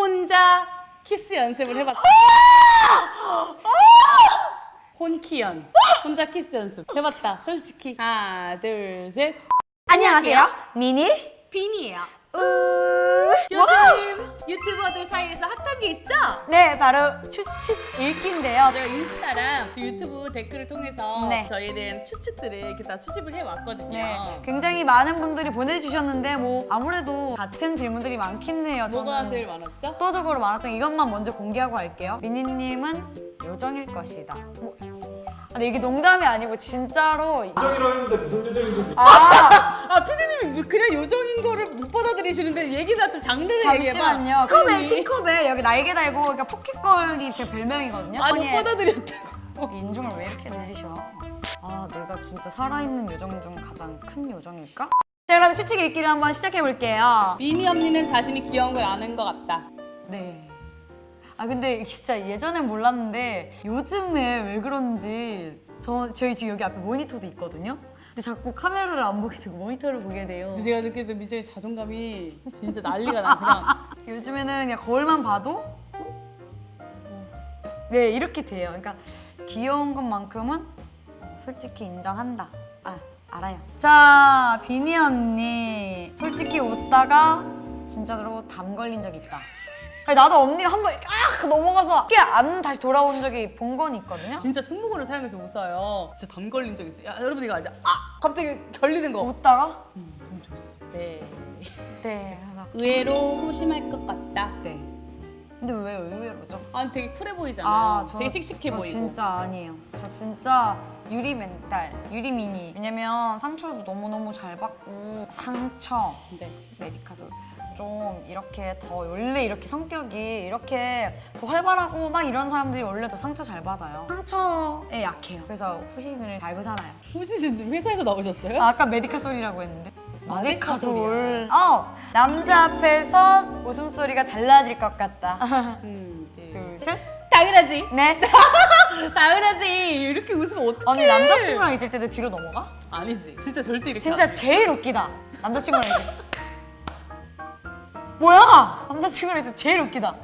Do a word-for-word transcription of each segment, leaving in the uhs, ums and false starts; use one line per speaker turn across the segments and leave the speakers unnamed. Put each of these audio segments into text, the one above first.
혼자 키스 연습을 해봤다. 혼키연. 혼자 키스 연습 해봤다. 솔직히. 하나, 둘, 셋.
안녕하세요. 미니
빈이에요.
우.
요즘 유튜버들 사이에서 핫한 게 있죠?
네, 바로 추측 읽기인데요.
제가 인스타랑 유튜브 댓글을 통해서
네.
저희에 대한 추측들을 이렇게 다 수집을 해왔거든요.
네, 굉장히 많은 분들이 보내주셨는데 뭐 아무래도 같은 질문들이 많긴 해요.
뭐가
저는
제일 많았죠?
압도적으로 많았던 이것만 먼저 공개하고 갈게요. 미니님은 요정일 것이다. 뭐, 근데 이게 농담이 아니고 진짜로
요정이라고 했는데 무슨 요정인지
아
아, 피디님이 그냥 요정인 거를 못 받아들이시는데 얘기나 좀 장르를
잠시만요.
얘기해봐.
컵에 킹컵에 여기 날개 달고 그러니까 포켓걸이 제 별명이거든요.
아니, 못
선의의
받아들였다고.
인중을 왜 이렇게 늘리셔? 아, 내가 진짜 살아있는 요정 중 가장 큰 요정일까? 자, 그럼 추측 읽기를 한번 시작해 볼게요.
미니 언니는 자신이 귀여운 걸 아는 것 같다.
네. 아, 근데 진짜 예전엔 몰랐는데 요즘에 왜 그런지 저, 저희 지금 여기 앞에 모니터도 있거든요? 근데 자꾸 카메라를 안 보게 되고 모니터를 보게 돼요.
내가 느껴도 민정이 자존감이 진짜 난리가 나. 그냥
요즘에는 그냥 거울만 봐도 네, 이렇게 돼요. 그러니까 귀여운 것만큼은 솔직히 인정한다. 아, 알아요. 자, 비니 언니 솔직히 웃다가 진짜로 담 걸린 적 있다. 아니, 나도 언니가 한 번 아 넘어가서 이렇게 안 다시 돌아온 적이 본 건 있거든요.
진짜 승모근을 사용해서 웃어요. 진짜 담 걸린 적 있어요. 야, 여러분 이거 알죠? 아! 갑자기 결리는 거.
웃다가
음, 너무 좋았어. 네.
네 하나
의외로 소심할 것 같다.
네. 근데 왜 의외로죠?
아, 되게 쿨해 보이잖아요.
아, 저,
되게 씩씩해
저
보이고.
진짜 아니에요. 저 진짜 유리 멘탈, 유리 미니. 왜냐면 상처도 너무너무 잘 받고 상처,
네.
메디카솔 좀 이렇게 더 원래 이렇게 성격이 이렇게 더 활발하고 막 이런 사람들이 원래 더 상처 잘 받아요. 상처에 약해요. 그래서 호신을 달고 살아요.
혹시 지금 회사에서 나오셨어요?
아, 아까 메디카솔이라고 했는데.
마데카솔이야.
어, 남자 앞에서 웃음소리가 달라질 것 같다.
음, 네.
둘, 셋.
당연하지.
네.
당연하지. 이렇게 웃으면 어떡해.
언니 남자친구랑 있을 때도 뒤로 넘어가?
아니지. 진짜 절대 이렇게
진짜
안 해.
제일 웃기다. 남자친구랑 있을 때. 뭐야? 남자친구랑 있을 때 제일 웃기다.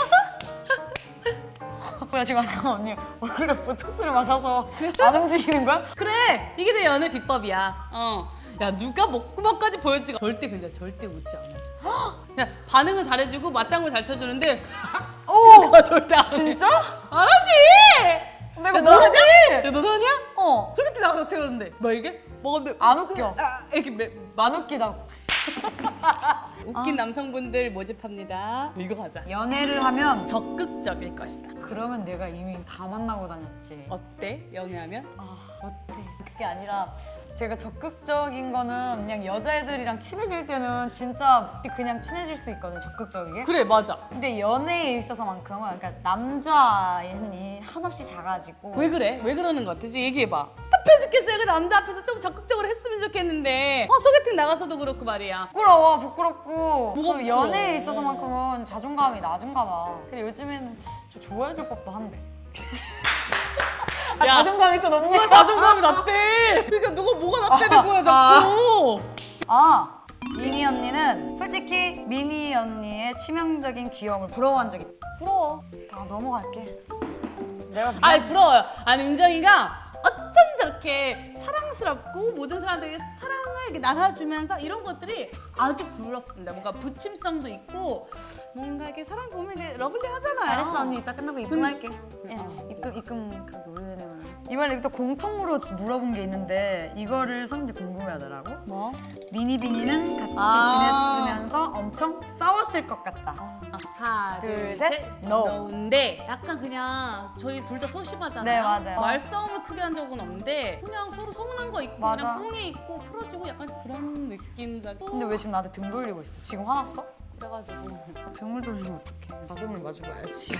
뭐야, 지금 아까 언니 얼굴에 보톡스를 맞아서 안 움직이는 거야?
그래. 이게 내 연애 비법이야. 어. 야, 누가 먹구멍까지 보여주지. 절대 근데 절대 웃지 않아줘. 그냥 반응은 잘해주고 맞장구 잘 쳐주는데
오!
그거 절대 안 해.
진짜?
안 하지.
내가
야, 너는
모르지?
야, 너도 하냐?
어.
소개팅 나가서 어떻게 하는데? 뭐 이게? 먹었는데
안 웃겨.
아, 이렇게 매,
안 웃기다고.
웃긴 남성분들 모집합니다. 이거 가자.
연애를 하면
적극적일 것이다.
그러면 내가 이미 다 만나고 다녔지.
어때? 연애하면?
아, 어때? 그게 아니라 제가 적극적인 거는 그냥 여자애들이랑 친해질 때는 진짜 그냥 친해질 수 있거든, 적극적이게.
그래, 맞아.
근데 연애에 있어서만큼은 그러니까 남자애니 한없이 작아지고
왜 그래? 왜 그러는 것 같아? 이제 얘기해봐. 답해 죽겠어요. 그 남자 앞에서 좀 적극적으로 했으면 좋겠는데 어, 소개팅 나가서도 그렇고 말이야.
부끄러워, 부끄럽고
뭐가
그 연애에
부끄러워?
있어서만큼은 자존감이 낮은가 봐. 근데 요즘에는 저 좋아해줄 법도 한데. 아,
야,
자존감이 또 높네.
누가 자존감이 낮대? 그러니까 누가 뭐가 낮다는 거야 자꾸.
아, 미니 언니는 솔직히 미니 언니의 치명적인 귀여움을 부러워한 적이 있다.
부러워.
아, 넘어갈게. 내가 미안.
아니 부러워요. 아니 은정이가 어쩜 저렇게 사랑스럽고 모든 사람들에게 사랑을 이렇게 나눠주면서 이런 것들이 아주 부럽습니다. 뭔가 부침성도 있고 뭔가 이렇게 사람 보면 이렇게 러블리하잖아요.
잘했어 언니. 이따 끝나고
근-
입금할게. 예,
어.
입금 입금 가게 오래되네. 이번에 또 공통으로 물어본 게 있는데 이거를 사람들이 궁금해하더라고.
뭐?
미니 비니는 같이
아.
지냈으면서 엄청 싸웠을 것 같다.
아, 하나,
둘,
둘,
셋.
셋.
No.
no인데 약간 그냥 저희 둘 다 소심하잖아요.
네, 맞아요.
말싸움을 크게 한 적은 없는데 그냥 서로 서운한 거 있고
맞아.
그냥 꿍에 있고 풀어주고 약간 그런 느낌자고.
근데 왜 지금 나한테 등 돌리고 있어? 지금 화났어?
그래가지고
등을 돌리면 어떡해. 가슴을 마주고 와야지.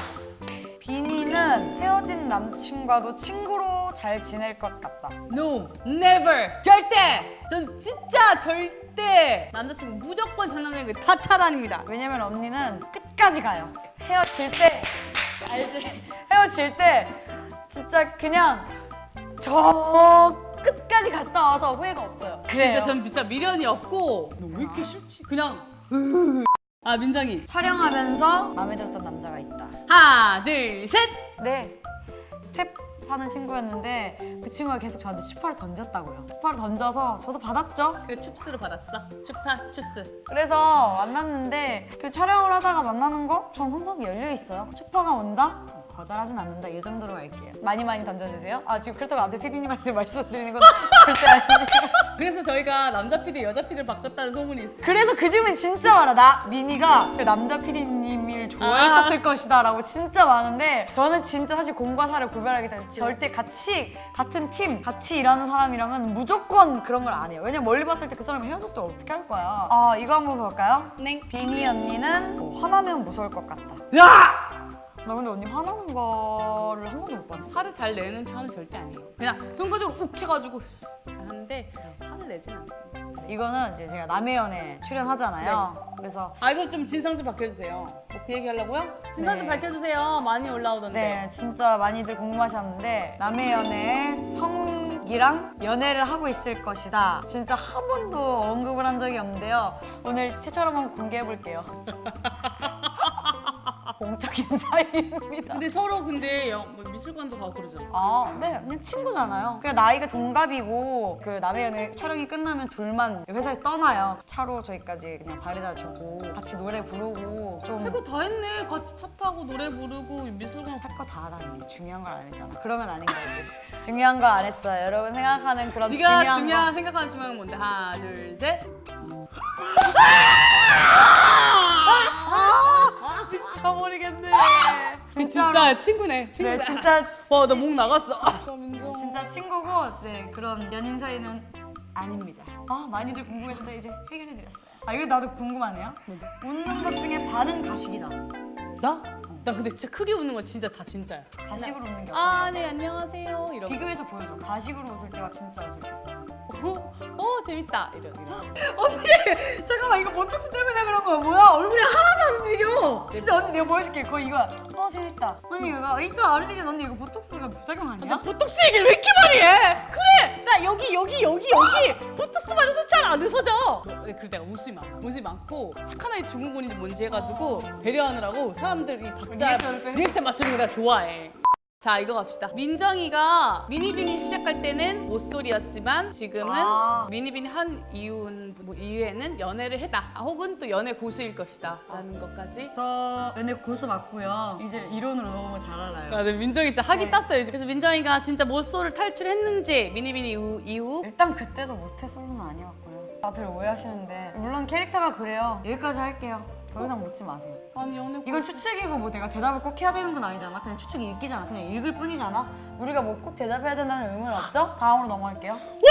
비니는 헤어진 남친과도 친구로 잘 지낼 것 같다.
No, never, 절대. 전 진짜 절대 남자친구 무조건 전 남자에게 다 차단입니다.
왜냐면 언니는 끝까지 가요. 헤어질 때 알지? 헤어질 때 진짜 그냥 저 끝까지 갔다 와서 후회가 없어요.
진짜 전 진짜 미련이 없고 너 왜 이렇게 싫지? 그냥 아 민정이.
촬영하면서 마음에 들었던 남자가 있다.
하나 둘 셋.
네. 스텝 하는 친구였는데 그 친구가 계속 저한테 추파를 던졌다고요. 추파를 던져서 저도 받았죠.
그래 춥스로 받았어. 추파 춥스.
그래서 만났는데 그 촬영을 하다가 만나는 거? 전 항상 열려 있어요. 추파가 온다? 거절하진 않는다. 이 정도로 갈게요. 많이 많이 던져주세요. 아 지금 그렇다고 앞에 피디님한테 말씀드리는 건 절대 아니에요.
그래서 저희가 남자 피디 여자 피디를 바꿨다는 소문이 있어.
그래서 그 질문 진짜 많아. 나 미니가 그 남자 피디님을 좋아했었을 것이다 라고 진짜 많은데 저는 진짜 사실 공과 사를 구별하기 때문에 절대 같이 같은 팀 같이 일하는 사람이랑은 무조건 그런 걸 안 해요. 왜냐면 멀리 봤을 때 그 사람이 헤어졌을 때 어떻게 할 거야. 아 이거 한번 볼까요?
네.
비니 언니는 뭐 화나면 무서울 것 같다.
야!
나 근데 언니 화나는 거를 한 번도 못 봤네.
화를 잘 내는 편은 절대 아니에요. 그냥 순간적으로 욱 해가지고 하는데 화를 내진 않습니다.
이거는 이제 제가 남의 연애 출연하잖아요. 그래서
아 이거 좀 진상 좀 밝혀주세요. 뭐 그 얘기 하려고요? 진상 좀
네.
밝혀주세요. 많이 올라오던데.
네, 진짜 많이들 궁금하셨는데 남의 연애에 성욱이랑 연애를 하고 있을 것이다. 진짜 한 번도 언급을 한 적이 없는데요. 오늘 최초로 한번 공개해 볼게요. 공적인 사이입니다.
근데 서로 근데 영, 뭐 미술관도 가고 그러잖아.
아, 네, 그냥 친구잖아요. 그냥 나이가 동갑이고 그 남의 연애 촬영이 끝나면 둘만 회사에서 떠나요. 차로 저희까지 그냥 바래다 주고 같이 노래 부르고 좀
이거 다 했네. 같이 차 타고 노래 부르고 미술관
할 거 다 하다니 중요한 걸 안 했잖아. 그러면 아닌 거지. 중요한 거 안 했어요. 여러분 생각하는 그런
네가
중요한,
중요한
거.
생각하는 중요한 건 뭔데? 하나 둘 셋.
미쳐버리겠네.
진짜 친구네. 친구네.
네, 진짜
와, 나 목 나갔어. 아, 민정.
진짜 친구고 네 그런 연인 사이는 아닙니다. 아 많이들 궁금해서도 이제 해결해드렸어요. 아 이거 나도 궁금하네요. 웃는 것 중에 반은 가식이다.
나? 나 근데 진짜 크게 웃는 건 진짜 다 진짜야.
가식으로 웃는 게
아,
어때요?
네, 안녕하세요. 이러고.
비교해서 보여줘. 가식으로 웃을 때와 진짜 웃을 때.
어, 어, 재밌다. 이러, 이러.
언니 잠깐만 이거 보톡스 때문에 그런 거야. 뭐야 얼굴이 하나도 안 움직여. 진짜 언니 내가 보여줄게. 그거 이거야. 어 재밌다. 언니 이거 이따 아르디겐 언니 이거 보톡스가 부작용 아니야?
나 보톡스 얘기를 왜 이렇게 많이 해? 그래! 나 여기, 여기, 여기, 여기! 보톡스 맞아서 잘 안 웃어져! 그래, 내가 웃음이 많아. 웃음이 많고, 착한 아이 증후군인지 뭔지 해가지고, 배려하느라고 사람들이 박자,
리액션을 또 해?
리액션 맞추는 거 내가 좋아해. 자, 이거 갑시다. 민정이가 미니비니 시작할 때는 모쏠이었지만 지금은
아.
미니비니 한 이유는, 뭐 이후에는 연애를 했다. 아, 혹은 또 연애 고수일 것이다. 라는 것까지.
저 연애 고수 맞고요. 이제 이론으로 너무 잘 알아요.
아, 네, 민정이 진짜 학이
네.
땄어요. 그래서 민정이가 진짜 모쏠을 탈출했는지 미니비니 이후, 이후
일단 그때도 모태솔로는 아니었고요. 다들 오해하시는데 물론 캐릭터가 그래요. 여기까지 할게요. 더 이상 묻지 마세요.
아니 연애
이건 추측이고 뭐 내가 대답을 꼭 해야 되는 건 아니잖아. 그냥 추측이 읽기잖아. 그냥 읽을 뿐이잖아. 우리가 뭐 꼭 대답해야 된다는 의무는 없죠? 다음으로 넘어갈게요.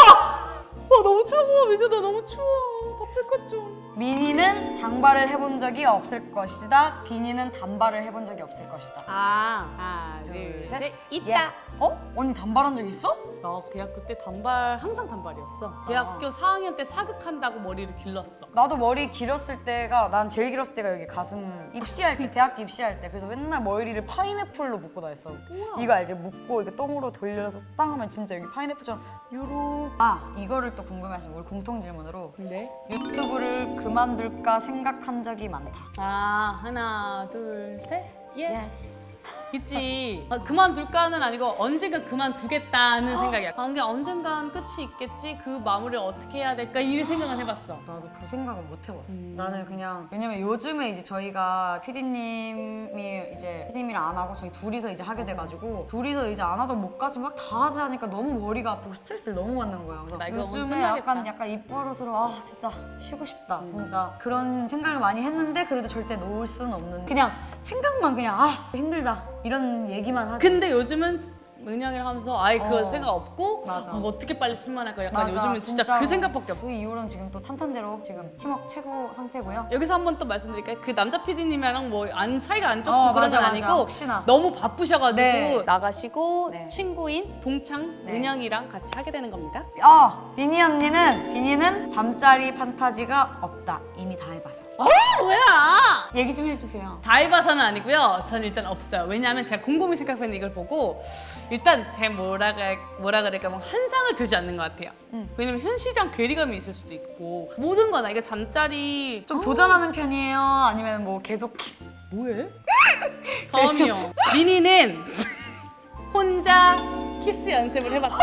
와 너무 차가워. 민정 나 너무 추워. 덮을 것 좀.
미니는 장발을 해본 적이 없을 것이다. 비니는 단발을 해본 적이 없을 것이다.
아 하나
둘,
둘
셋.
셋 있다.
예스. 어? 언니 단발한 적 있어?
나 대학교 때 단발 항상 단발이었어. 대학교 사 학년 때 사극한다고 머리를 길렀어.
나도 머리 길었을 때가 난 제일 길었을 때가 여기 가슴 입시할 때 대학교 입시할 때 그래서 맨날 머리를 파인애플로 묶고 다녔어.
우와.
이거 알지? 묶고 이거 똥으로 돌려서 땅 하면 진짜 여기 파인애플처럼 요로. 아 이거를 또 궁금해하시면 우리 공통 질문으로
근데
유튜브를 그만둘까 생각한 적이 많다.
아 하나 둘 셋. 예스.
예스.
있지. 아, 그만둘까는 아니고 언젠가 그만두겠다는 생각이야. 아, 근데 언젠간 끝이 있겠지. 그 마무리를 어떻게 해야 될까 이 생각은 해봤어.
나도 그 생각은 못 해봤어.
음.
나는 그냥 왜냐면 요즘에 이제 저희가 피디님이 이제 피디님이랑 안 하고 저희 둘이서 이제 하게 돼가지고 둘이서 이제 안 하던 못까지 막 다 하자니까 너무 머리가 아프고 스트레스를 너무 받는 거야. 그래서
나 이거
요즘에
끝나겠다.
약간 약간 입버릇으로 아 진짜 쉬고 싶다.
음.
진짜 그런 생각을 많이 했는데 그래도 절대 놓을 수는 없는. 그냥 생각만 그냥 아 힘들다 이런 얘기만 하지.
근데 요즘은 은영이랑 하면서 아예 그
어.
생각 없고
맞아.
어, 어떻게 빨리 신만할까 약간
맞아,
요즘은 진짜
진짜로.
그 생각밖에 없어.
그 이후로는 지금 또 탄탄대로 지금 팀워크 최고 상태고요.
여기서 한 번 또 말씀드릴까요? 그 남자 피디님이랑 뭐 안 사이가 안 좋고
어,
그런
맞아,
건
맞아.
아니고
혹시나.
너무 바쁘셔가지고
네.
나가시고
네.
친구인 동창
네.
은영이랑 같이 하게 되는 겁니다.
어, 비니 언니는 비니는 잠자리 판타지가 없다. 이미 다 해봐서.
어 뭐야?
얘기 좀 해주세요.
다 해봐서는 아니고요. 저는 일단 없어요. 왜냐하면 제가 곰곰이 생각했는데 이걸 보고 일단 제 뭐라 그 뭐라 그럴까 뭐 한상을 두지 않는 것 같아요.
음.
왜냐면 현실이랑 괴리감이 있을 수도 있고 모든 거나 이거 잠자리
좀 도전하는 편이에요? 아니면 뭐 계속
뭐해? 다음이요. 미니는 혼자 키스 연습을 해봤다.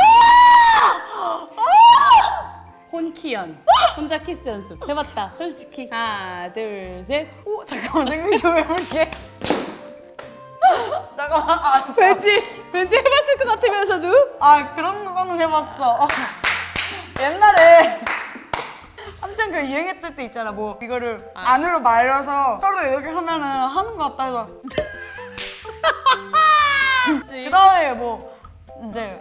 혼키연. 혼자 키스 연습 해봤다. 솔직히 하나 둘 셋.
오 잠깐만 생각 좀 해볼게. 잠깐만. 아, 저-
왠지 왠지 해봤을 것 같으면서도.
아 그런 거는 해봤어. 옛날에 한창 그 유행했을 때 있잖아. 뭐 이거를 안으로 말려서 서로 이렇게 하면은 하는 거 같다 해서 그 다음에 뭐 이제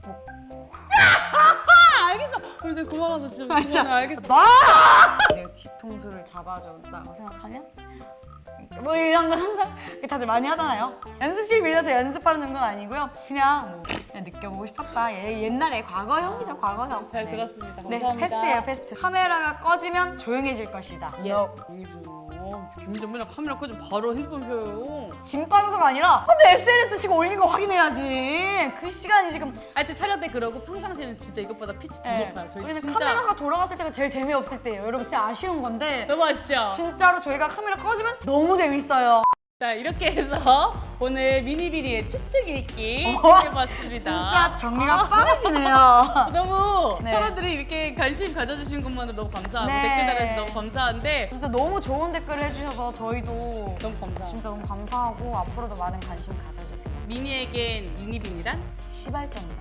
아, 알겠어. 그럼 이제 그만하자 진짜.
아, 진짜
그만해, 알겠어.
나 내가 뒤통수를 잡아준다고 생각하면 뭐 이런 거 항상 다들 많이 하잖아요. 연습실 빌려서 연습하는 정도는 아니고요. 그냥 뭐 그냥 느껴보고 싶었다. 얘 옛날에 과거형이죠, 과거형.
잘
네.
들었습니다.
네,
감사합니다.
패스트예요, 패스트. 카메라가 꺼지면 조용해질 것이다.
예.
너
용이죠. 김전문이랑 카메라 끄면 바로 핸드폰 펴요.
짐 빠져서가 아니라 근데 에스엔에스 지금 올린 거 확인해야지. 그 시간이 지금
하여튼 촬영 때 그러고 평상시에는 진짜 이것보다 피치 더
네.
높아요. 저희
저희는
진짜
카메라가 돌아갔을 때가 제일 재미없을 때예요. 여러분 진짜 아쉬운 건데
너무 아쉽죠?
진짜로 저희가 카메라 꺼지면 너무 재밌어요.
자 이렇게 해서 오늘 미니비니의 추측 읽기
와,
해봤습니다.
진짜 정리가 빠르시네요.
너무
네.
사람들이 이렇게 관심 가져주신 것만으로 너무 감사하고
네.
댓글 달아주셔서 너무 감사한데
진짜 너무 좋은 댓글 해주셔서 저희도
너무 감사.
진짜 너무 감사하고 앞으로도 많은 관심 가져주세요.
미니에겐 미니비니란
시발점이다.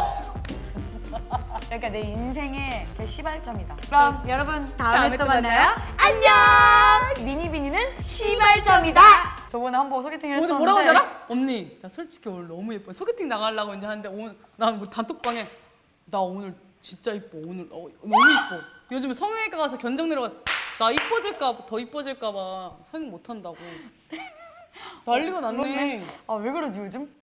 그러니까 내 인생의 제 시발점이다. 그럼 여러분 다음에,
다음에
또
또
만나요. 안녕. 미니비니는 시발점이다. 저번에 한 번 소개팅을
오늘
했었는데
뭐라고 하잖아? 언니 나 솔직히 오늘 너무 예뻐. 소개팅 나가려고 이제 하는데 오늘 난 우리 단톡방에 나 오늘 진짜 이뻐. 오늘 어, 너무 이뻐. 요즘에 성형외과 가서 견적 내려가 나 이뻐질까 봐, 더 이뻐질까 봐 성형 못 한다고. 난리가 났네.
아 왜 그러지 요즘?